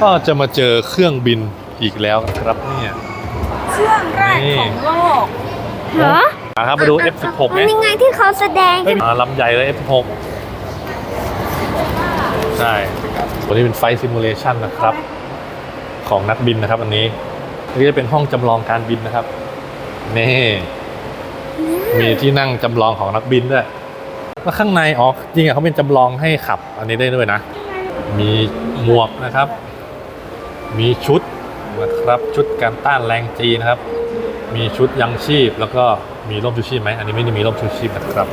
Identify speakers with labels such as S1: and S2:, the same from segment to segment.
S1: ก็จะมาเจอเครื่องบินอีกแล้วครับเนี่ย
S2: เครื่องแรกของโลก
S3: เหรอ
S1: ครับมาดู F16 ไหม
S3: ยังไงที่เขาแสดง
S1: ลำใหญ่เลย F16 ใช่ตัวนี้เป็นไฟซิมูเลชันนะครับของนักบินนะครับอันนี้นี่จะเป็นห้องจำลองการบินนะครับนี่มีที่นั่งจำลองของนักบินด้วยแล้วข้างในจริงเขาเป็นจำลองให้ขับอันนี้ได้ด้วยนะมีหมวกนะครับมีชุดนะครับชุดการต้านแรงจีนะครับมีชุดยังชีพแล้วก็มีร่มชูชีพไหมอันนี้ไม่ได้มีร่มชูชีพนะครับ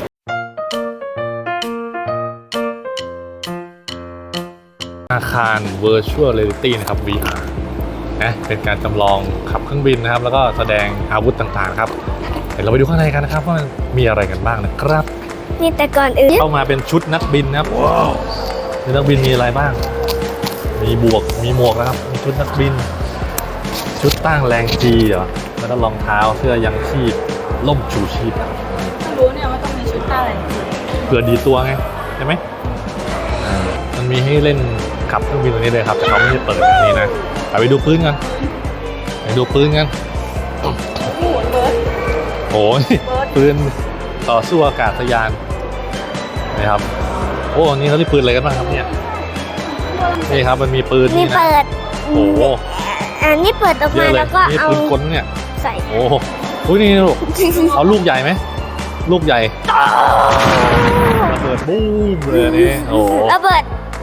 S1: อาคาร Virtual Reality นะครับ VR นะเป็นการจำลองขับเครื่องบินนะครับแล้วก็แสดงอาวุธต่างๆครับเดี๋ยวเราไปดูข้างในกันนะครับว่ามีอะไรกันบ้างนะครับ
S3: นี่แต่ก่อนอื่น
S1: เข้ามาเป็นชุดนักบินนะครับว้าวนักบินมีอะไรบ้างมีหมวกนะครับมีชุดนักบินชุดต้านแรงจีเหรอแล้วก็รองเท้าเสื้อยังชีพล่มชูชีพ
S2: รู้เนี่ยว่าต้องมีชุดอะไร
S1: เผื่อดีตัวไงใช่ไหมมันมีให้เล่นขับเครื่องบินตัวนี้เลยครับแต่เขาไม่ได้เปิดอย่างนี้นะไปดูปืนกันโอ้ยปืนต่อสู้อากาศยานนะครับโอ้นี่เขาเรียกปืนอะไรกันบ้างครับเนี่ยนี่ครับมันมีปืน
S3: นี่เปิด
S1: โอ้
S3: อันนี้เปิดออกมาแล้วก็เอา
S1: ปืนกลเนี่ย
S3: ใส่
S1: โอ้โหนี่ลูกเอาลูกใหญ่ไหมลูกใหญ่ระเบิดบูมเลยนี่โอ้
S3: ระเบิด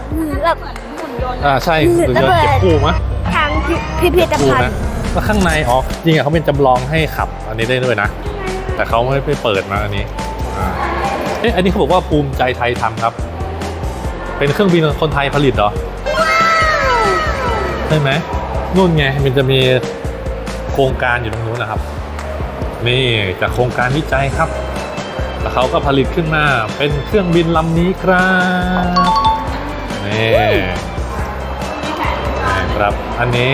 S1: ใช่ระเบิดเก็บกู้มั้ย
S3: ทางพิพิธภัณฑ์
S1: แล้วข้างในจริงเขาเป็นจำลองให้ขับอันนี้ได้ด้วยนะแต่เขาไม่ไปเปิดมาอันนี้อันนี้เขาบอกว่าภูมิใจไทยทำครับเป็นเครื่องบินคนไทยผลิตเหรอใช่ไหมนู่นไงมันจะมีโครงการอยู่ตรงนู้นนะครับนี่จากโครงการวิจัยครับแล้วเขาก็ผลิตขึ้นมาเป็นเครื่องบินลำนี้ครับนี่ครับอันนี้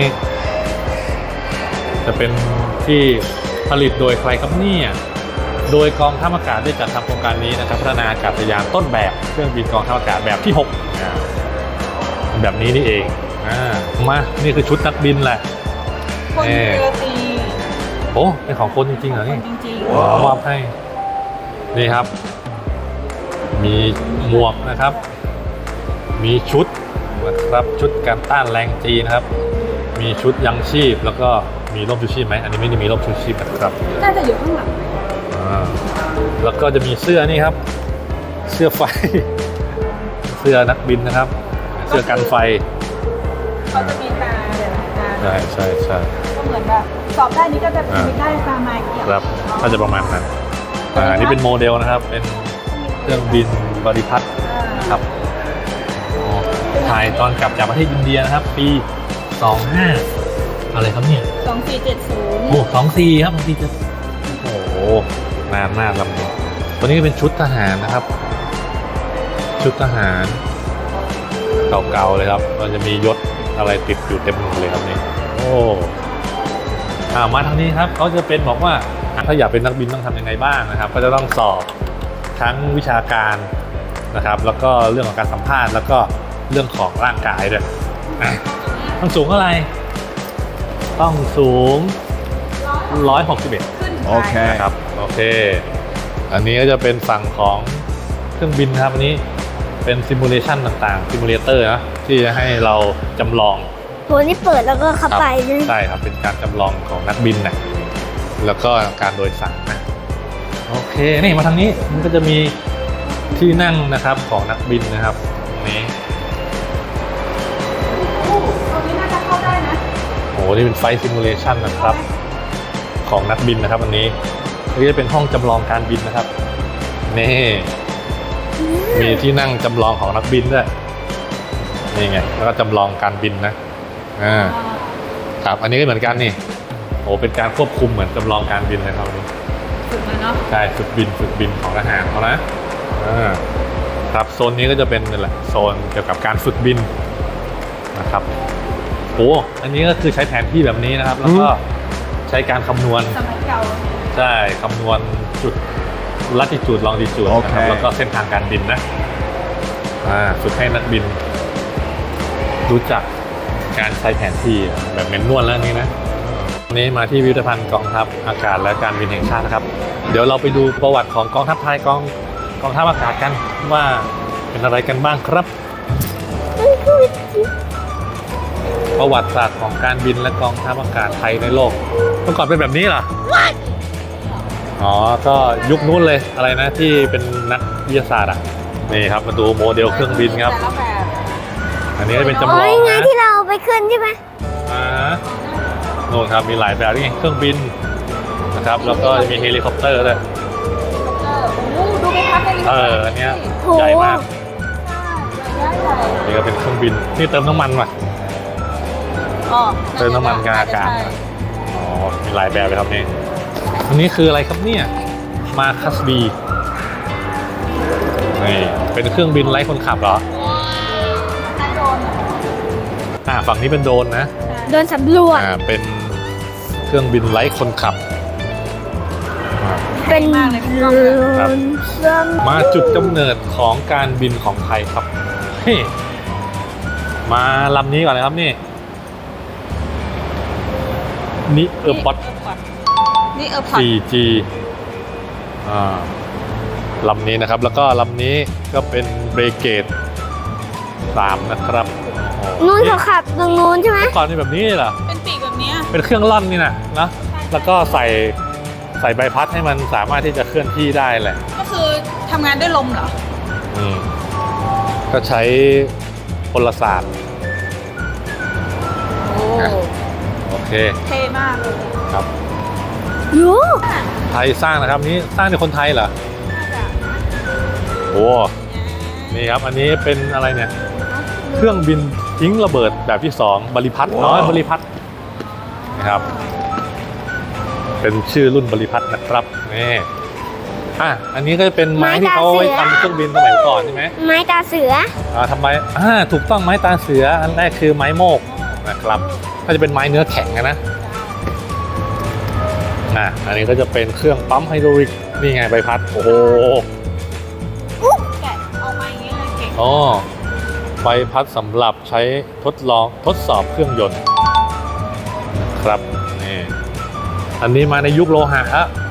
S1: จะเป็นที่ผลิตโดยใครครับเนี่ยโดยกองทัพอากาศได้จัดทำโครงการนี้นะครับพัฒนาอากาศยานต้นแบบเครื่องบินกองทัพอากาศแบบที่6แบบนี้นี่เองมานี่คือชุดนักบินแหละ
S2: คนเรือตี
S1: โอ้เป็นของคนจริงๆเหรอนี่มอบให้นี่ครับมีหมวกนะครับมีชุดนะครับชุดการต้านแรงจีนะครับมีชุดยังชีพแล้วก็มีร่มชูชีพไหมอันนี้ไม่ได้มีร่มชูชีพนะครับ
S2: น่าจะอยู่ข้างหลัง
S1: แล้วก็จะมีเสื้อนี่ครับเสื้อไฟเสื้อนักบินนะครับเสื้อกันไฟ
S2: เขาจะมีตา
S1: ใช่
S2: ก็เหมือนแบบสอบได้นี้ก็จะมีได้ตามาเกี่ยว
S1: ครับถ้าจะประมาณนั้นนี่เป็นโมเดลนะครับเป็นเครื่องบินบริพัตรนะครับถ่ายตอนกลับจากประเทศอินเดียนะครับปี25อะไรครับเนี่ย
S2: 2470
S1: โอ้24ครับ24โอ้โหนานมากลำนี้ตัวนี้เป็นชุดทหารนะครับชุดทหารเก่าๆเลยครับมันจะมียศอะไรติดอยู่เต็มเลยครับนี่โอ้มาทางนี้ครับเขาจะเป็นบอกว่าถ้าอยากเป็นนักบินต้องทำยังไงบ้างนะครับก็จะต้องสอบทั้งวิชาการนะครับแล้วก็เรื่องของการสัมภาษณ์แล้วก็เรื่องของร่างกายด้วยต้องสูงเท่าไหร่ต้องสูง161โอเคครับโอเคอันนี้ก็จะเป็นฝั่งของเครื่องบินครับอันนี้เป็นซิมูเลชันต่างๆซิมูเลเตอร์นะที่จะให้เราจำลอง
S3: โหนี่เปิดแล้วก็เข้าไป
S1: ใช่ครับเป็นการจำลองของนักบินนะแล้วก็การโดยสารนะโอเคนี่มาทางนี้มันก็จะมีที่นั่งนะครับของนักบินนะครับตรงนี้
S2: ตรงนี้น่าจะเข้าได้นะ
S1: โอ้นี่เป็นไฟซิมูเลชันนะครับของนักบินนะครับอันนี้นี่จะเป็นห้องจำลองการบินนะครับนี่มีที่นั่งจำลองของนักบินด้วยนี่ไงแล้วก็จำลองการบินนะครับอันนี้ก็เหมือนกันนี่โอ้เป็นการควบคุมเหมือนจำลองการบินเลยครับนี้
S2: ฝึกมาเนาะ
S1: ใช่ฝึกบินของทหารเขานะครับโซนนี้ก็จะเป็นนี่แหละโซนเกี่ยวกับการฝึกบินนะครับโอ้อันนี้ก็คือใช้แผนที่แบบนี้นะครับแล้วก็ใช้การคำนวณ
S2: สมัยเก่า
S1: ใช่คำนวณจุดลัติจูดลองดิจูดนะครับแล้วก็เส้นทางการบินนะฝึกให้นักบินรู้จักการใช้แผนที่แบบเมนนวลแล้วนี่นะวันนี้มาที่พิพิธภัณฑ์กองทัพอากาศและการบินแห่งชาตินะครับเดี๋ยวเราไปดูประวัติของกองทัพไทยกองทัพอากาศกันว่าเป็นอะไรกันบ้างครับ ประวัติศาสตร์ของการบินและกองทัพอากาศไทยในโลกเมื่อก่อนเป็นแบบนี้เหรออ๋อก็ยุคนู้นเลยอะไรนะที่เป็นนักวิทยาศาสตร์อ่ะนี่ครับมาดูโมเดลเครื่องบินครับ
S2: แต่ละแบบ
S1: อันนี้เป็นจำล
S3: อ๋
S1: อ
S3: อง ไง
S1: นะ
S3: ที่เราเอาไปขึ้นใช่ไหม
S1: โน่นครับมีหลายแบบนี่ไงเครื่องบินนะครับแล้วก็มีเฮลิคอปเตอร์ด้วย
S2: โอ้โหดูไปพักเลย
S1: อันเนี้ย
S3: โห
S1: ใหญ่มาก
S2: ใหญ่ใหญ่
S1: นี่ก็เป็นเครื่องบินนี่เติมน้ำมันว่ะ
S2: อ๋อ
S1: เติมน้ำมันกลางอากาศ อ๋อมีหลายแบบเลยครับนี่อันนี้คืออะไรครับเนี่ยมาคัสบีนี่เป็นเครื่องบินไร้คนขับเหรอ
S2: ใช่โดน
S1: ฝั่งนี้เป็นโดรนนะ
S3: โดนสำรวจ
S1: เป็นเครื่องบินไร้คนขับ
S3: เป็นโดนซ้ำ
S1: มาจุดกำเนิดของการบินของไทยครับเฮ้มาลำนี้ก่อนเลยครับนี่นี่บอท
S2: นี่พอด
S1: 4G ลำนี้นะครับแล้วก็ลำนี้ก็เป็นเบรเกต3นะครับโอ้โห
S3: นู้นเขาขับตรงนู้นใช่ไหม
S1: เมื่อก่อนนี่แบบนี้เหรอ
S2: เป็นปีกแบบเนี้ย
S1: เป็นเครื่องล่อนนี่นะแล้วก็ใส่ใบพัดให้มันสามารถที่จะเคลื่อนที่ได้แหละ
S2: ก็คือทำงานด้วยลมเหรอ
S1: ก็ใช้พลศาสตร์
S2: โอ้
S1: โอเค
S2: เท่มากเลย
S1: ครับ
S3: ยู
S1: ไทยสร้างนะครับนี้สร้างโดยคนไทยเหรอโอ้นี่ครับอันนี้เป็นอะไรเนี่ยเครื่องบินทิ้งระเบิดแบบที่2บริพัตรน้อยบริพัตรนะครับเป็นชื่อรุ่นบริพัตรนะครับนี่อันนี้ก็จะเป็นไม้ที่เขาเอาไว้ทำเครื่องบินสมัยก่อนใช่ไหม
S3: ไม้ตาเสือ
S1: ทำไมถูกต้องไม้ตาเสืออันแรกคือไม้โมกนะครับก็จะเป็นไม้เนื้อแข็งนะอันนี้ก็จะเป็นเครื่องปั๊มไฮดรอลิกนี่ไงใบพัดโอ้โห
S2: แกะเอามาอย่างนี้เลยเก่ง
S1: อ๋อใบพัดสำหรับใช้ทดสอบเครื่องยนต์นะครับนี่อันนี้มาในยุคโลหะ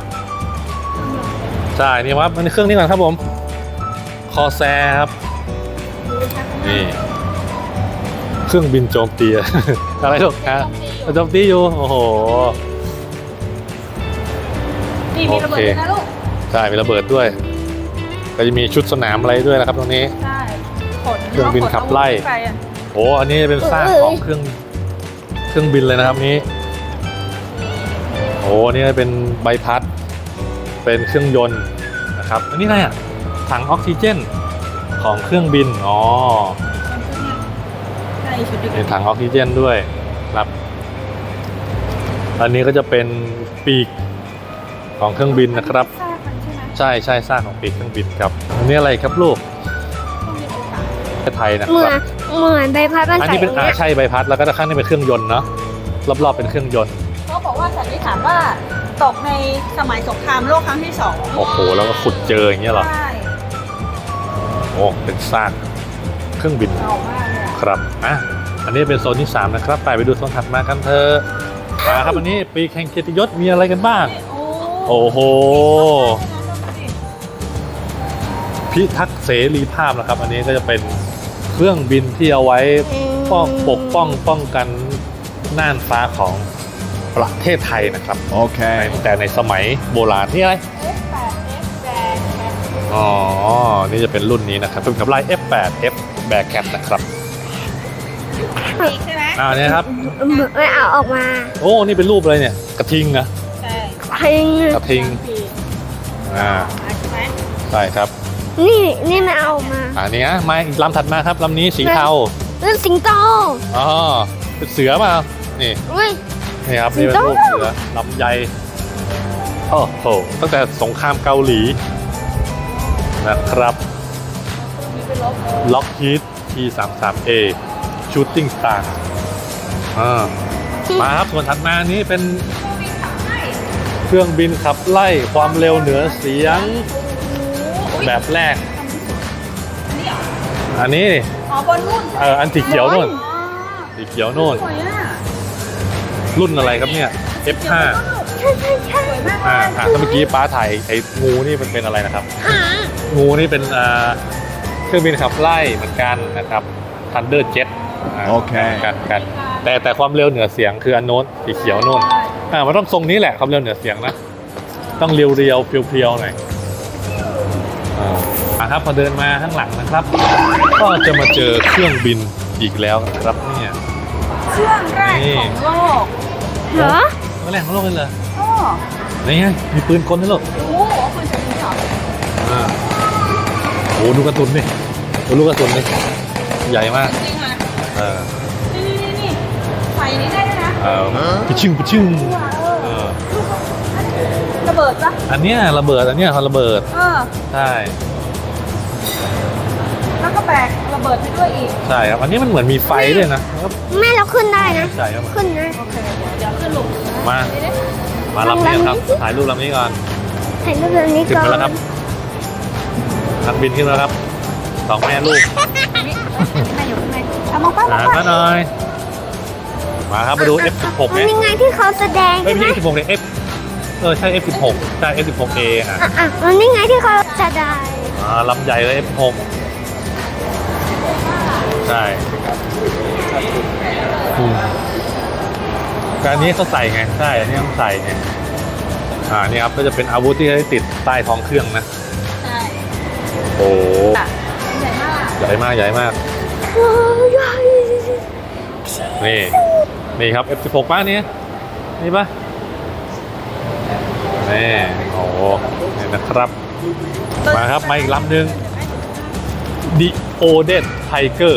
S1: ใช่นี่ว่ามันเครื่องนี้ก่อนครับผมคอแซครับนี่เครื่องบินโจมตี อะไรลูกโจมตีอยู่โอ้โห
S2: นี่มีระเบิดด้วยนะลูก
S1: ใช่มีระเบิดด้วยก็จะมีชุดสนามอะไรด้วยนะครับตรงนี้
S2: ใช่ขน
S1: เครื่องบินขับไล่
S2: ปอะ
S1: โอ้อันนี้เป็นซากของเครื่องบินเลยนะครับนี้โอ้นี่เป็นใบพัดเป็นเครื่องยนต์นะครับอันนี้อะไรถังออกซิเจนของเครื่องบิน
S2: ใช่ชุดเดียวกั
S1: เป็น นถังออกซิเจนด้วยครับอันนี้ก็จะเป็นปีกของเครื่องบินนะครับ
S2: ทราบมันใช่ไหม
S1: ใช่ซากของปีกเครื่องบินครับอันนี้อะไรครับลูก
S2: ต้องมีโอกาส
S1: ประเทศไทยนะ
S3: เห
S1: ค
S3: มือ
S1: รั
S3: น
S1: บ
S3: เหมือนใบพัดมัน
S1: อัน
S3: ใส่
S1: นี้เป็น
S3: เนี่ย
S1: ใช่ใบพัดแล้วก็ด้านข้างนี่เป็นเครื่องยนต์เนาะรอบๆเป็นเครื่องยนต์
S2: เขาบอกว่าสันนิษฐานว่าตกในสมัยสงครามโลกครั้งที่2
S1: โอ้โหแล้วก็ขุดเจออย่างเงี้ยเหรอ
S2: ใช่
S1: โอ้เป็นซากเครื่องบิน
S2: เก่ามากเลยอะ
S1: ครับอันนี้เป็นโซนที่3นะครับไปดูโซนถัดมากันเถอะมาครับอันนี้ปีกแห่งเกียรติยศมีอะไรกันบ้าง
S2: โอ้
S1: โอ้โหพิทักษ์เสรีภาพนะครับอันนี้ก็จะเป็นเครื่องบินที่เอาไว้ปกป้องกันน่านฟ้าของประเทศไทยนะครับ
S4: Okay.
S1: แต่ในสมัยโบราณนี่อะไร
S2: F8 F แบก
S1: อ๋อ นี่จะเป็นรุ่นนี้นะครับเป็นกับไล่ F8 F Bearcat นะครับ
S2: ปีกใช่ไหม
S1: เนี่ยครับ
S3: ไม่เอาออกมา
S1: โอ้ นี่เป็นรูปอะไรเนี่ย กระทิงนะ
S2: ใช่
S3: พิง
S1: กระทิง
S2: ปีก
S1: ใช่
S2: ไหม
S1: ใช่ครับ
S3: นี่ไม่เอาออกมา
S1: อันนี้มาอีกลำถัดมาครับลำนี้สีเทา
S3: เรื่องสิงโต
S1: อ๋อเป็นเสือมานี่
S3: อุ้ย
S1: นี่ครับ
S3: สิ
S1: นี่
S3: ง
S1: เป็น
S3: โต
S1: รูปเสือลำใหญ่โอ้โหตั้งแต่สงครามเกาหลีนะครับ
S2: มีเป็นลบ
S1: Lockheed T33A Shooting Star มาครับส่วนถัดมานี้เป็นเครื่องบินขับไล่ความเร็วเหนือเสียงแบบแรก
S2: นี่เหรอ
S1: อันนี้
S2: อ๋อบนนู่น
S1: อันสีเขียวนู่น
S2: อ๋อ
S1: สีเขียวโน่น
S2: สวยอ่ะ
S1: รุ่นอะไรครับเนี่ย F5
S3: ใช่ใช่ใช่
S2: สวยมาก
S1: ถ้าเมื่อกี้ป้าถ่ายไอ้งูนี่มันเป็นอะไรนะครับ
S3: หา
S1: งูนี่เป็นเครื่องบินขับไล่เหมือนกันนะครับ Thunder Jet
S4: โอเค
S1: กันแต่ความเร็วเหนือเสียงคืออันโน้นสีเขียวโน่นมันต้องทรงนี้แหละความเร็วเหนือเสียงนะ ต้องเรียวๆเพียวๆหน่อยครับพอเดินมาข้างหลังนะครับ ก็จะมาเจอเครื่องบินอีกแล้วครับเนี่ย
S2: เครื่องแรกของโลก
S3: เหรอ
S1: เมื่อแรกของโลกเลยเหรอ
S2: โอ้
S1: นี่ไงมีปืนกลด้วยเหรอ
S2: โหคุณจะมีเหรอ
S1: โอ้ดูกระสุนนี่ดูลูกกระสุนนี่ใหญ่มาก
S2: จริงอ่ะ
S1: เออ
S2: นี่ไฟนี้ได้ด้วยนะ
S1: ปิชึ่งเออ
S2: ระเบิดปะ
S1: อันเนี้ยระเบิดอันเนี้ยเขาระเบิด ใช่
S2: แล้วก็แบกระเบิดไปด้วยอีก
S1: ใช่ครับอันนี้มันเหมือนมีไฟด้วยนะแล้วก็
S3: แม่เราขึ้นได้นะ
S1: ใช่ครับ
S3: ขึ้นนะ
S2: โอเคเดี๋ยวขึ้นลง
S1: มาลำนี้ครับถ่ายรูปลำนี้ก่อน
S3: ถ่ายรูปแบบนี้
S1: ขึ้น
S3: ก่อ
S1: มาน แล้วครับนักบินขึ้นแล้วครับสองแม่ลูก
S2: ให้อยู่ข้างในเอามองป้า
S1: มาหน่อยมาครับมาดู F16
S3: มัน
S1: เนี่ย
S3: ยังไงที่เขาแสดง
S1: ไม่
S3: ใช่ไหม
S1: ใช่ F16 เนี่ยใช่ F16 ใช่ F16A
S3: มันยังไงที่เขาแสดง
S1: ลำใหญ่เลย F6 ใช่การนี้เขาใส่ไงใช่อันนี้ต้องใส่ไงนี่ครับก็จะเป็นอาวุธที่ให้ติดใต้ท้องเครื่องนะ
S2: ใช่
S1: โอ้
S2: ใหญ่มาก
S1: ใหญ่มากใหญ่มาก
S3: ว้าวใหญ่
S1: นี่ครับ F16 ป้าเนี่ยนี่ปะนี่โอ้นี่นะครับมาครับมาอีกลำหนึ่ง The Odin Tiger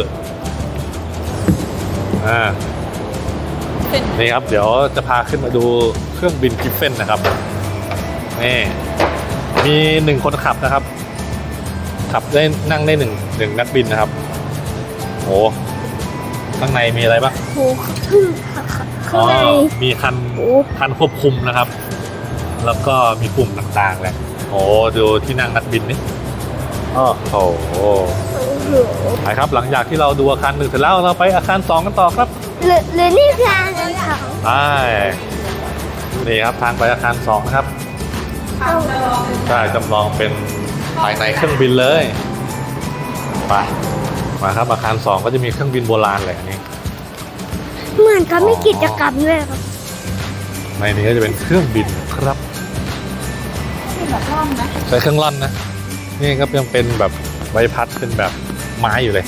S1: นี่ครับเดี๋ยวจะพาขึ้นมาดูเครื่องบินกิฟเฟนนะครับนี่มี1คนขับนะครับ ขับได้นั่งได้หนึ่งนักบินนะครับโอ้ข้างในมีอะไรบ้าง
S3: โหข้างใน
S1: มีคันควบคุมนะครับ แล้วก็มีปุ่มต่างๆแหละโอ้ดูที่นั่งนักบินนี่โอ้โหไปครับหลังจากที่เราดูอาคาร1เสร็จแล้วเราไปอาคาร2กันต่อครับ
S3: หรือนี่คืออาหารของ
S1: ใช่นี่ครับทางไปอาคาร2นะครับ
S2: เอา
S1: ใช่จำลองเป็นภายในเครื่องบินเลยไปมาครับอาคาร2ก็จะมีเครื่องบินโบราณแหละอันนี้
S3: เหมือนเขาไม่กิจกรรมด้วยครับ
S1: ในนี้ก็จะเป็นเครื่องบินครับ
S2: ที่แบบร่องนะ
S1: ใช้เครื่องร่อนนะนี่ครับยังเป็นแบบใบพัดเป็นแบบไม้อยู่เลย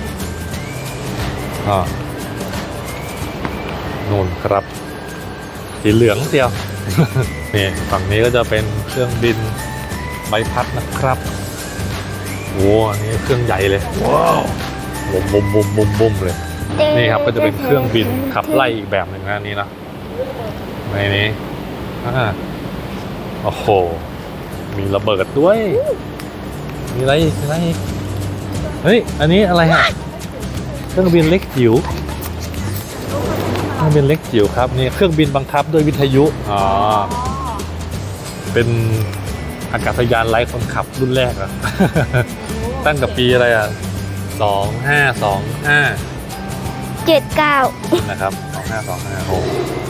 S1: นู่นครับสีเหลืองเดียว นี่ฝั่งนี้ก็จะเป็นเครื่องบินใบพัดนะครับโอ้อันนี้เครื่องใหญ่เลยว้าวบุมเลย นี่ครับก็จะเป็นเครื่องบินขับไล่อีกแบบหนึ่งนะนี่นะในนี้โอ้โหมีระเบิดด้วยมีอะไรอีกเฮ้ยอันนี้อะไรฮะเครื่องบินเล็กจิ๋วเครื่องบินเล็กจิ๋วครับนี่เครื่องบินบังคับด้วยวิทยุเป็นอากาศยานไร้คนขับรุ่นแรกอะ ตั้งแต่ปีอะไรอ่ะ2525
S3: 79
S1: นะครับ2525โอ้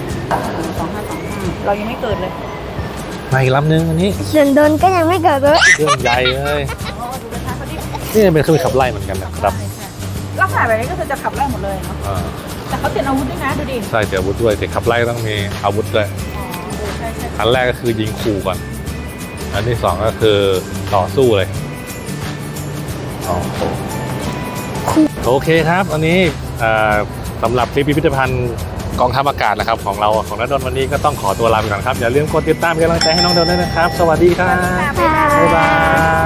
S2: 2525เรายังไม่เกิดเลย
S1: มาอีกลำนึงอันนี้
S3: ส่วนโดนก็ยังไม่เกิดเลย
S1: เครื่องใหญ่เลย
S2: ดูกระทะเขาดิ
S1: นี่เป็นเครื่องบินขับไล่เหมือนกันนะครับ
S2: ลักษณะแบบนี้ก็คือจะขับไล่หมดเลยเนาะ
S1: อ่า
S2: แต่เขาเตรียมอาวุธด้วยนะดูดิ
S1: ใช่เสียอาวุธด้วยแต่ขับไล่ต้องมีอาวุธด้วย
S2: ใช่
S1: อันแรกก็คือยิงขู่ก่อนอันที่สองก็คือต่อสู้เลยโอเคครับอันนี้สำหรับคลิปพิพิธภัณฑ์กองทัพอากาศนะครับของเราของณดลวันนี้ก็ต้องขอตัวลาไปก่อนครับอย่าลืมกดติดตามเป็นกำลังใจให้น้องเดลด้วยนะครับ สวัสดีครับ
S2: ๆ
S1: บ๊ายบาย